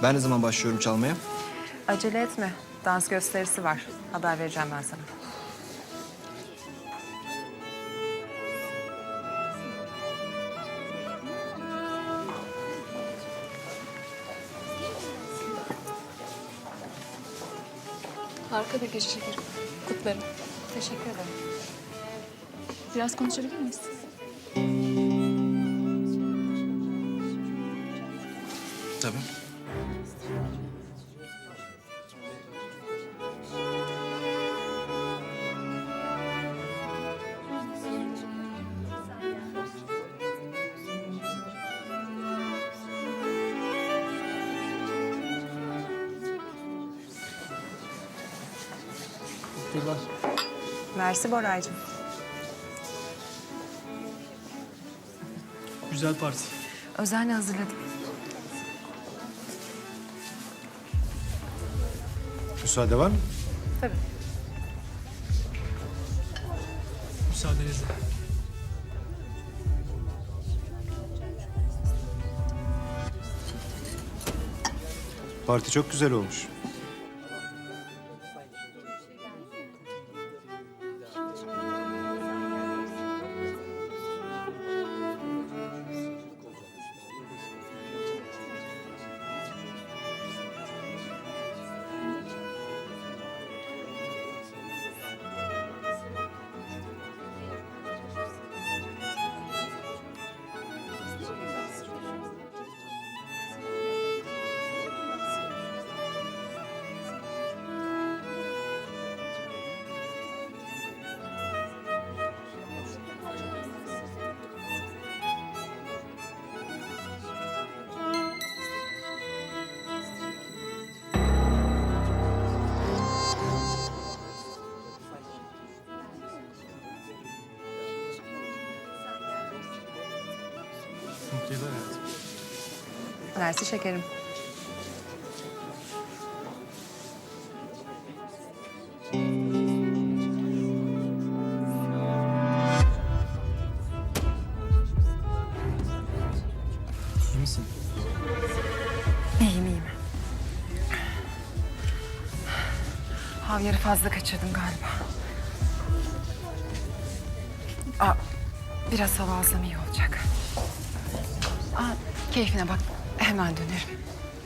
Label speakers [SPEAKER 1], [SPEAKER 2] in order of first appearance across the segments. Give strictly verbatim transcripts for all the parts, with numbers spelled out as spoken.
[SPEAKER 1] Ben ne zaman başlıyorum çalmaya?
[SPEAKER 2] Acele etme. Dans gösterisi var. Haber vereceğim ben sana.
[SPEAKER 3] Harika bir gece şekerim. Kutlarım.
[SPEAKER 2] Teşekkür ederim.
[SPEAKER 3] Biraz konuşabilir miyiz?
[SPEAKER 1] Tabii.
[SPEAKER 2] Mersi Boraycığım.
[SPEAKER 4] Güzel parti.
[SPEAKER 2] Özenle hazırladım.
[SPEAKER 5] Müsaade var mı?
[SPEAKER 2] Tabii.
[SPEAKER 4] Müsaadenizle.
[SPEAKER 5] Parti çok güzel olmuş.
[SPEAKER 4] Mutlu yıllar hayatım.
[SPEAKER 2] Mersi şekerim.
[SPEAKER 4] İyi misin?
[SPEAKER 2] İyiyim iyiyim. Havyarı fazla kaçırdım galiba. Aa, biraz hava alsam iyi olacak. Aa, keyfine bak. Hemen dönerim.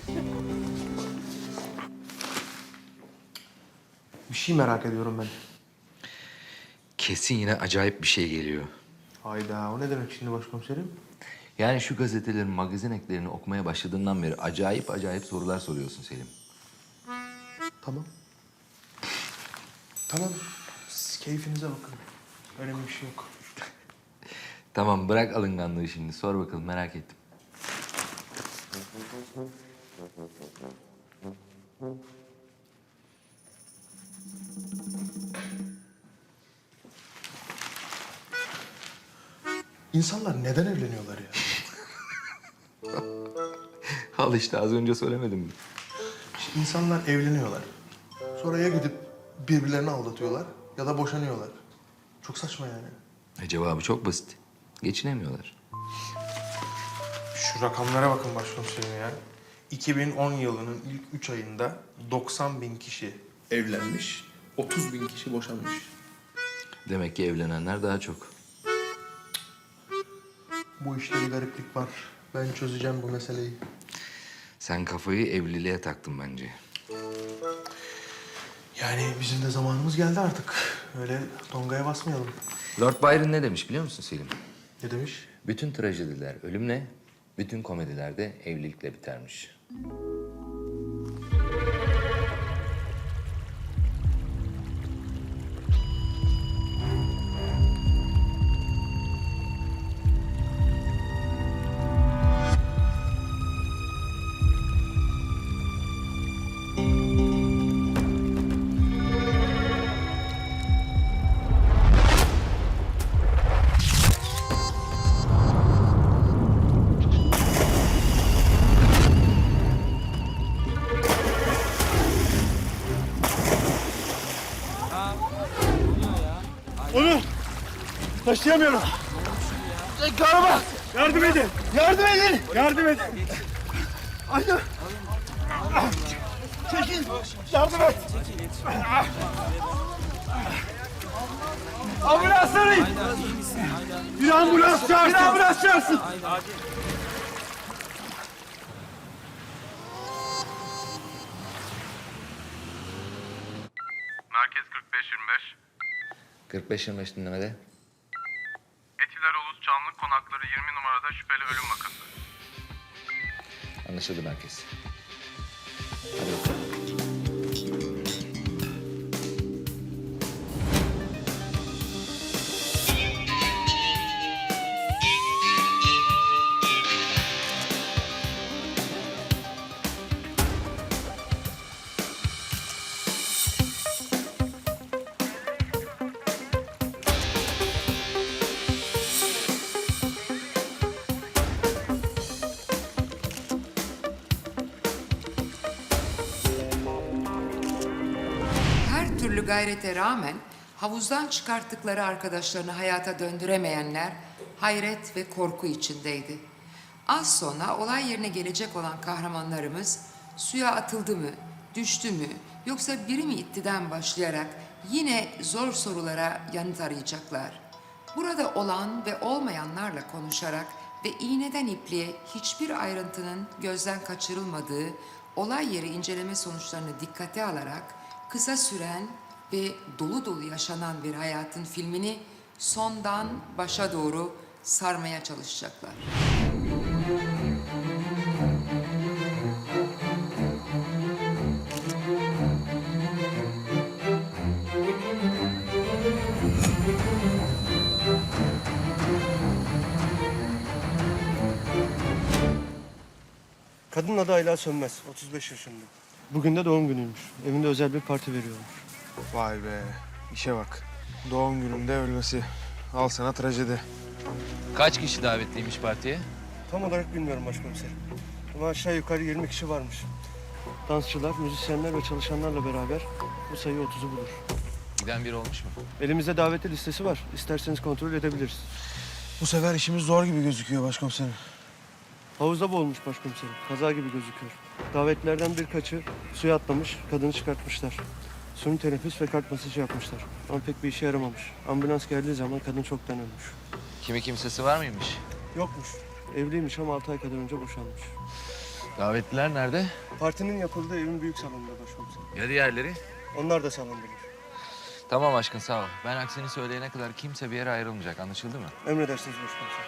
[SPEAKER 6] Bir şey merak ediyorum ben.
[SPEAKER 7] Kesin yine acayip bir şey geliyor.
[SPEAKER 6] Hayda, o ne demek şimdi başkomiserim?
[SPEAKER 7] Yani şu gazetelerin magazin eklerini okumaya başladığından beri acayip acayip sorular soruyorsun Selim.
[SPEAKER 6] Tamam. Tamam, siz keyfinize bakın. Önemli bir şey yok.
[SPEAKER 7] Tamam bırak alınganlığı şimdi. Sor bakalım merak ettim.
[SPEAKER 6] İnsanlar neden evleniyorlar ya?
[SPEAKER 7] Al işte az önce söylemedim mi?
[SPEAKER 6] İşte insanlar evleniyorlar. Sonra ya gidip birbirlerini aldatıyorlar ya da boşanıyorlar. Çok saçma yani.
[SPEAKER 7] E, cevabı çok basit. Geçinemiyorlar.
[SPEAKER 6] Şu rakamlara bakın başkomiserim ya. iki bin on yılının ilk üç ayında doksan bin kişi evlenmiş, otuz bin kişi boşanmış.
[SPEAKER 7] Demek ki evlenenler daha çok.
[SPEAKER 6] Bu işte bir gariplik var. Ben çözeceğim bu meseleyi.
[SPEAKER 7] Sen kafayı evliliğe taktın bence.
[SPEAKER 6] Yani bizim de zamanımız geldi artık. Öyle tongaya basmayalım.
[SPEAKER 7] Lord Byron ne demiş biliyor musun Selim?
[SPEAKER 6] Ne demiş?
[SPEAKER 7] Bütün trajediler ölümle, bütün komediler de evlilikle bitermiş.
[SPEAKER 4] Onur! Taşıyamıyorum. Karama! Yardım edin! Yardım edin! Yardım edin! Aynen! Çekil! Yardım et! Ambulans arayın! Bir ambulans çağırsın! Bir ambulans çağırsın!
[SPEAKER 8] Merkez kırk beş yirmi beş.
[SPEAKER 7] kırk beş yirmi beş dinlemede.
[SPEAKER 8] Etiler Ulus Çamlık Konakları yirmi numarada şüpheli ölüm vakası.
[SPEAKER 7] Anlaşıldı merkez. Hadi bakalım.
[SPEAKER 9] Her türlü gayrete rağmen havuzdan çıkarttıkları arkadaşlarını hayata döndüremeyenler hayret ve korku içindeydi. Az sonra olay yerine gelecek olan kahramanlarımız suya atıldı mı, düştü mü yoksa biri mi ittiden başlayarak yine zor sorulara yanıt arayacaklar. Burada olan ve olmayanlarla konuşarak ve iğneden ipliğe hiçbir ayrıntının gözden kaçırılmadığı olay yeri inceleme sonuçlarını dikkate alarak kısa süren ve dolu dolu yaşanan bir hayatın filmini sondan başa doğru sarmaya çalışacaklar.
[SPEAKER 10] Kadının adı Ayla Sönmez, otuz beş yaşında. Bugün de doğum günüymüş. Evinde özel bir parti veriyormuş.
[SPEAKER 6] Vay be, işe bak. Doğum gününde ölmesi. Al sana trajedi.
[SPEAKER 7] Kaç kişi davetliymiş partiye?
[SPEAKER 10] Tam olarak bilmiyorum başkomiserim. Ama aşağı yukarı yirmi kişi varmış. Dansçılar, müzisyenler ve çalışanlarla beraber bu sayı otuzu bulur.
[SPEAKER 7] Giden biri olmuş mu?
[SPEAKER 10] Elimizde davetli listesi var. İsterseniz kontrol edebiliriz.
[SPEAKER 6] Bu sefer işimiz zor gibi gözüküyor başkomiserim.
[SPEAKER 10] Havuzda boğulmuş başkomiserim. Kaza gibi gözüküyor. Davetlilerden birkaçı suya atlamış, kadını çıkartmışlar. Suni teneffüs ve kalp masajı yapmışlar. Ama pek bir işe yaramamış. Ambulans geldiği zaman kadın çoktan ölmüş.
[SPEAKER 7] Kimi kimsesi var mıymış?
[SPEAKER 10] Yokmuş. Evliymiş ama altı ay kadar önce boşanmış.
[SPEAKER 7] Davetliler nerede?
[SPEAKER 10] Partinin yapıldığı evin büyük salonunda başkomiserim.
[SPEAKER 7] Ya diğerleri?
[SPEAKER 10] Onlar da salondalar.
[SPEAKER 7] Tamam aşkın sağ ol. Ben aksini söyleyene kadar kimse bir yere ayrılmayacak. Anlaşıldı mı?
[SPEAKER 10] Emredersiniz başkomiserim.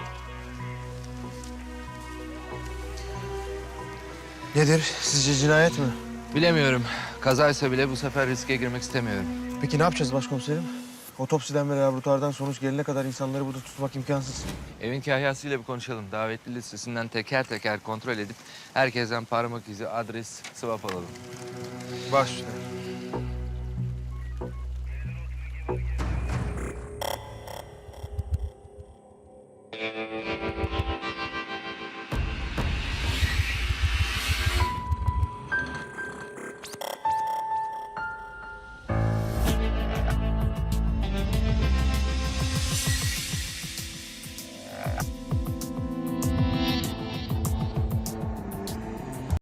[SPEAKER 6] Nedir? Sizce cinayet mi?
[SPEAKER 7] Bilemiyorum. Kazaysa bile bu sefer riske girmek istemiyorum.
[SPEAKER 6] Peki ne yapacağız başkomiserim? Otopsiden ve laboratuvardan sonuç gelene kadar insanları burada tutmak imkansız.
[SPEAKER 7] Evin kahyasıyla bir konuşalım. Davetli listesinden teker teker kontrol edip herkesten parmak izi, adres, swap alalım.
[SPEAKER 6] Baş üstüne.